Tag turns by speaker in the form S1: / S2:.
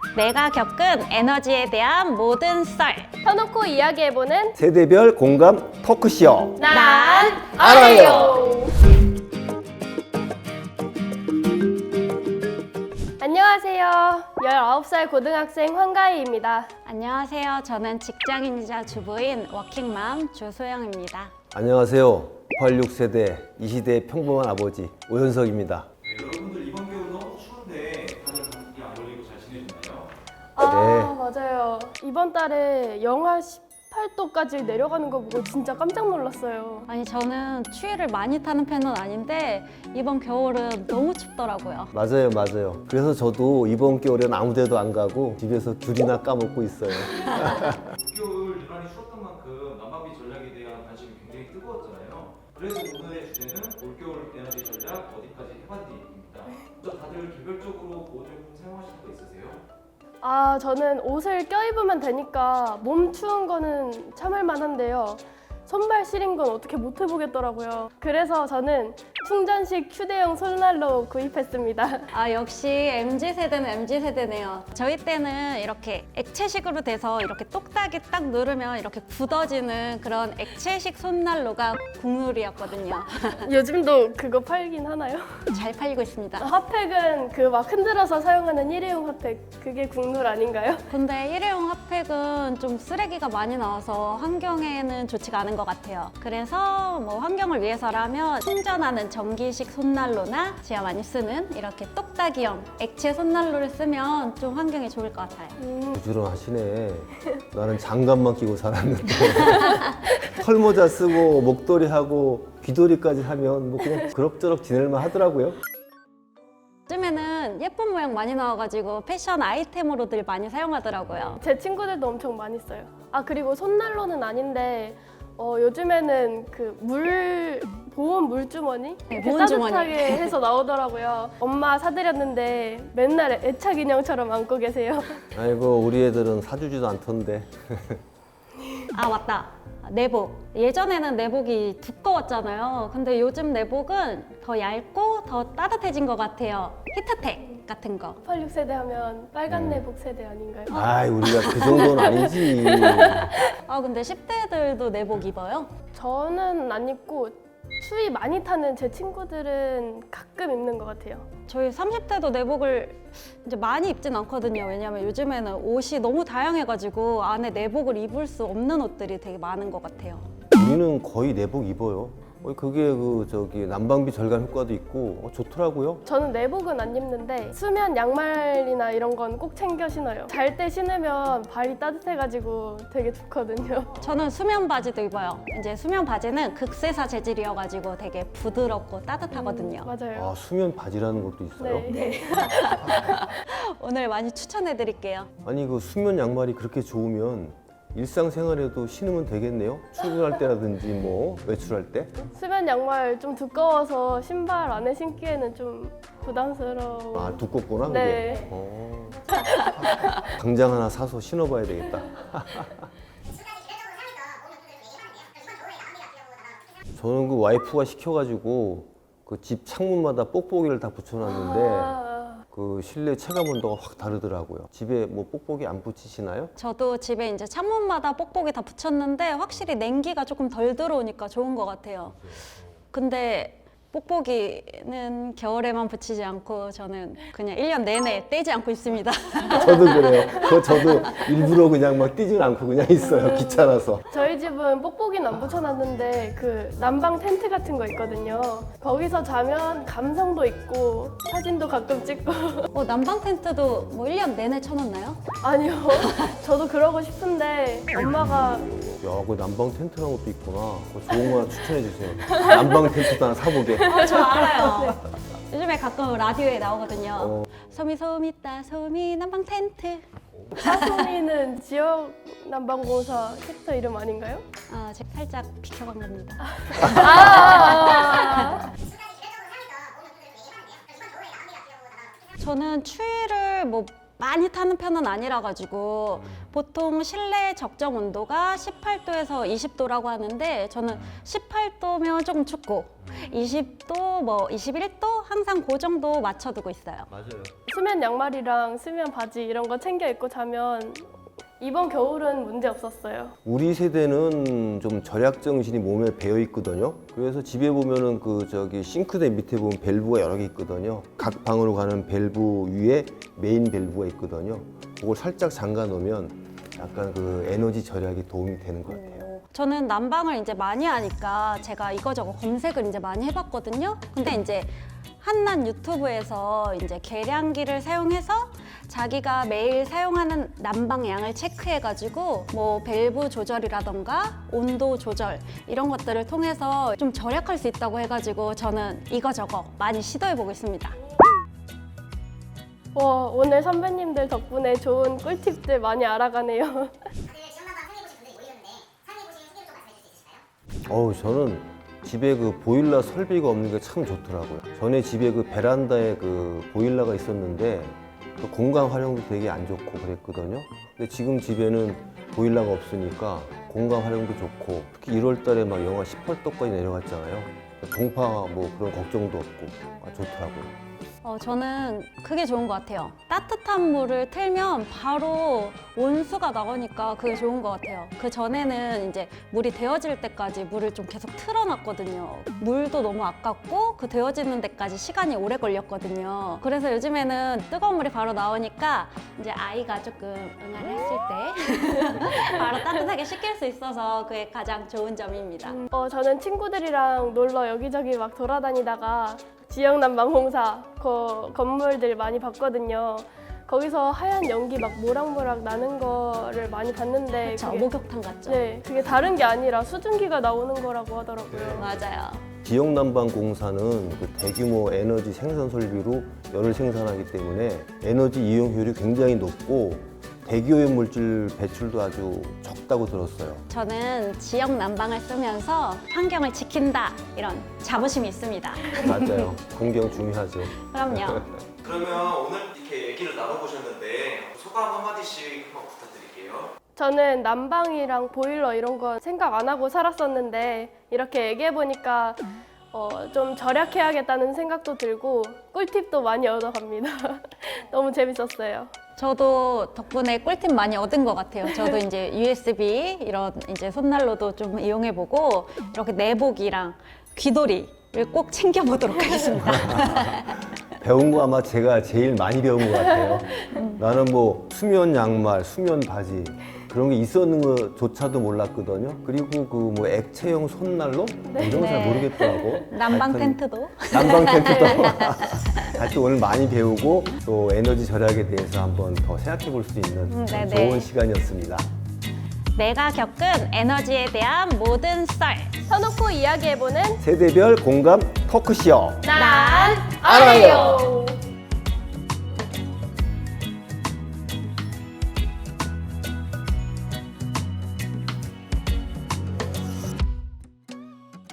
S1: 내가 겪은 에너지에 대한 모든 썰.
S2: 터놓고 이야기해보는
S3: 세대별 공감 토크쇼.
S2: 난
S3: 알아요.
S2: 안녕하세요. 19살 고등학생 황가희입니다.
S1: 안녕하세요. 저는 직장인이자 주부인 워킹맘 조소영입니다.
S3: 안녕하세요. 86세대 이 시대의 평범한 아버지 오현석입니다.
S4: 여러분들 이번 겨울 너무 추운데 다들 감기 안 걸리고 잘 지내셨나요?
S2: 아, 맞아요. 이번 달에 영하 18도까지 내려가는 거 보고 진짜 깜짝 놀랐어요.
S1: 아니 저는 추위를 많이 타는 편은 아닌데 이번 겨울은 너무 춥더라고요.
S3: 맞아요. 그래서 저도 이번 겨울엔 아무 데도 안 가고 집에서 귤이나 까먹고 있어요.
S4: 겨울 유난히 추웠던 만큼 난방비 전략에 대한 관심이 굉장히 뜨거웠잖아요. 그래서 오늘의 주제는 올겨울 에너지 전략 어디까지 해봤니입니다. 먼저 다들 개별적으로 보호제품 사용하실 거 있으세요?
S2: 아, 저는 옷을 껴입으면 되니까 몸 추운 거는 참을 만한데요. 손발 시린 건 어떻게 못 해보겠더라고요. 그래서 저는 충전식 휴대용 손난로 구입했습니다.
S1: 아 역시 MZ세대는 MZ세대네요. 저희 때는 이렇게 액체식으로 돼서 이렇게 똑딱이 딱 누르면 이렇게 굳어지는 그런 액체식 손난로가 국룰이었거든요.
S2: 요즘도 그거 팔긴 하나요?
S1: 잘 팔리고 있습니다.
S2: 핫팩은 그 막 흔들어서 사용하는 일회용 핫팩, 그게 국룰 아닌가요?
S1: 근데 일회용 핫팩은 좀 쓰레기가 많이 나와서 환경에는 좋지가 않은 것 같아요. 그래서 뭐 환경을 위해서라면 충전하는 전기식 손난로나 제가 많이 쓰는 이렇게 똑딱이형 액체 손난로를 쓰면 좀 환경에 좋을 것 같아요.
S3: 부지런하시네. 나는 장갑만 끼고 살았는데 털모자 쓰고 목도리 하고 귀도리까지 하면 뭐 그냥 그럭저럭 지낼만 하더라고요.
S1: 요즘에는 예쁜 모양 많이 나와가지고 패션 아이템으로들 많이 사용하더라고요.
S2: 제 친구들도 엄청 많이 써요. 아, 그리고 손난로는 아닌데 요즘에는 그 보온 물주머니?
S1: 네,
S2: 이렇게
S1: 보온 주머니.
S2: 따뜻하게 해서 나오더라고요. 엄마 사드렸는데 맨날 애착 인형처럼 안고 계세요.
S3: 아이고 우리 애들은 사주지도 않던데.
S1: 아 맞다. 내복. 예전에는 내복이 두꺼웠잖아요. 근데 요즘 내복은 더 얇고 더 따뜻해진 것 같아요. 히트텍 같은 거.
S2: 86세대 하면 빨간 내복 세대 아닌가요?
S3: 아이 우리가 그 정도는 아니지.
S1: 아 근데 10대들도 내복 입어요?
S2: 저는 안 입고 추위 많이 타는 제 친구들은 가끔 입는 것 같아요.
S1: 저희 30대도 내복을 이제 많이 입진 않거든요. 왜냐면 요즘에는 옷이 너무 다양해가지고 안에 내복을 입을 수 없는 옷들이 되게 많은 것 같아요.
S3: 우리는 거의 내복 입어요. 그게 난방비 절감 효과도 있고 좋더라고요.
S2: 저는 내복은 안 입는데 수면 양말이나 이런 건 꼭 챙겨 신어요. 잘 때 신으면 발이 따뜻해가지고 되게 좋거든요.
S1: 저는 수면 바지도 입어요. 이제 수면 바지는 극세사 재질이어가지고 되게 부드럽고 따뜻하거든요.
S2: 맞아요.
S3: 아 수면 바지라는 것도 있어요?
S2: 네.
S1: 오늘 많이 추천해드릴게요.
S3: 아니 그 수면 양말이 그렇게 좋으면 일상생활에도 신으면 되겠네요? 출근할 때라든지 뭐 외출할 때?
S2: 수면 양말 좀 두꺼워서 신발 안에 신기에는 좀 부담스러워.
S3: 아 두껍구나
S2: 네.
S3: 그게? 당장 하나 사서 신어봐야 되겠다. 저는 그 와이프가 시켜가지고 그 집 창문마다 뽁뽁이를 다 붙여놨는데 그 실내 체감 온도가 확 다르더라고요. 집에 뭐 뽁뽁이 안 붙이시나요?
S1: 저도 집에 이제 창문마다 뽁뽁이 다 붙였는데 확실히 냉기가 조금 덜 들어오니까 좋은 것 같아요. 근데 뽁뽁이는 겨울에만 붙이지 않고 저는 그냥 1년 내내 떼지 않고 있습니다.
S3: 저도 그래요. 저도 일부러 그냥 막 뛰진 않고 그냥 있어요. 귀찮아서.
S2: 저희 집은 뽁뽁이는 안 붙여놨는데 그 난방 텐트 같은 거 있거든요. 거기서 자면 감성도 있고 사진도 가끔 찍고.
S1: 난방 텐트도 뭐 1년 내내 쳐놓나요?
S2: 아니요. 저도 그러고 싶은데 엄마가
S3: 야, 그 난방 텐트라는 것도 있구나. 그거 좋은 거 하나 추천해 주세요. 난방 텐트도 하나 사보게.
S1: 저 알아요. 요즘에 가끔 라디오에 나오거든요. 소미 있다 소미 난방 텐트.
S2: 사소미는 지역 난방공사 섹터 이름 아닌가요?
S1: 제가 살짝 비켜간 겁니다. 저는 추위를 뭐 많이 타는 편은 아니라 가지고 보통 실내 적정 온도가 18도에서 20도라고 하는데 저는 18도면 조금 춥고 20도, 뭐 21도 항상 그 정도 맞춰두고 있어요.
S3: 맞아요.
S2: 수면 양말이랑 수면 바지 이런 거 챙겨 입고 자면 이번 겨울은 문제 없었어요.
S3: 우리 세대는 좀 절약 정신이 몸에 배어 있거든요. 그래서 집에 보면은 그 저기 싱크대 밑에 보면 밸브가 여러 개 있거든요. 각 방으로 가는 밸브 위에 메인 밸브가 있거든요. 그걸 살짝 잠가 놓으면 약간 그 에너지 절약이 도움이 되는 것 같아요.
S1: 저는 난방을 이제 많이 하니까 제가 이거저거 검색을 이제 많이 해봤거든요. 근데 이제 한낱 유튜브에서 이제 계량기를 사용해서 자기가 매일 사용하는 난방량을 체크해가지고 뭐 밸브 조절이라던가 온도 조절 이런 것들을 통해서 좀 절약할 수 있다고 해가지고 저는 이거저거 많이 시도해보고 있습니다.
S2: 오늘 선배님들 덕분에 좋은 꿀팁들 많이 알아가네요.
S5: 다들 지역난방 사용해보신 분들이 모이셨는데 사용해보신 후기를 좀 말씀해 주실 수 있으실까요?
S3: 저는 집에 그 보일러 설비가 없는 게 참 좋더라고요. 전에 집에 그 베란다에 그 보일러가 있었는데 그 공간 활용도 되게 안 좋고 그랬거든요. 근데 지금 집에는 보일러가 없으니까 공간 활용도 좋고 특히 1월 달에 막 영하 18도까지 내려갔잖아요. 동파 뭐 그런 걱정도 없고 좋더라고요.
S1: 저는 그게 좋은 것 같아요. 따뜻한 물을 틀면 바로 온수가 나오니까 그게 좋은 것 같아요. 그 전에는 이제 물이 데워질 때까지 물을 좀 계속 틀어놨거든요. 물도 너무 아깝고 그 데워지는 데까지 시간이 오래 걸렸거든요. 그래서 요즘에는 뜨거운 물이 바로 나오니까 이제 아이가 조금 응아를 했을 때 바로 따뜻하게 식힐 수 있어서 그게 가장 좋은 점입니다.
S2: 저는 친구들이랑 놀러 여기저기 막 돌아다니다가 지역난방공사 그 건물들 많이 봤거든요. 거기서 하얀 연기 막 모락모락 나는 거를 많이 봤는데
S1: 그쵸, 목욕탕 같죠?
S2: 네, 그게 다른 게 아니라 수증기가 나오는 거라고 하더라고요.
S1: 맞아요.
S3: 지역난방공사는 그 대규모 에너지 생산 설비로 열을 생산하기 때문에 에너지 이용 효율이 굉장히 높고 대기오염 물질 배출도 아주 적다고 들었어요.
S1: 저는 지역 난방을 쓰면서 환경을 지킨다 이런 자부심이 있습니다.
S3: 맞아요. 환경 중요하죠.
S1: 그럼요.
S4: 그러면 오늘 이렇게 얘기를 나눠보셨는데 소감 한마디씩 한번 부탁드릴게요.
S2: 저는 난방이랑 보일러 이런 건 생각 안 하고 살았었는데 이렇게 얘기해보니까 좀 절약해야겠다는 생각도 들고 꿀팁도 많이 얻어갑니다. 너무 재밌었어요.
S1: 저도 덕분에 꿀팁 많이 얻은 것 같아요. 저도 이제 USB 이런 이제 손난로도 좀 이용해보고 이렇게 내복이랑 귀돌이를 꼭 챙겨보도록 하겠습니다.
S3: 배운 거 아마 제가 제일 많이 배운 것 같아요. 나는 뭐 수면 양말, 수면 바지 그런 게 있었는 것조차도 몰랐거든요. 그리고 그 뭐 액체형 손난로 이런 거 잘
S1: 네.
S3: 모르겠더라고.
S1: 난방
S3: 하여튼
S1: 텐트도.
S3: 난방 텐트도 하여튼 오늘 많이 배우고 또 에너지 절약에 대해서 한번 더 생각해 볼 수 있는
S1: 네네.
S3: 좋은 시간이었습니다.
S1: 내가 겪은 에너지에 대한 모든 썰.
S2: 터놓고 이야기해보는
S3: 세대별 공감 토크쇼.
S2: 난
S3: 알아요.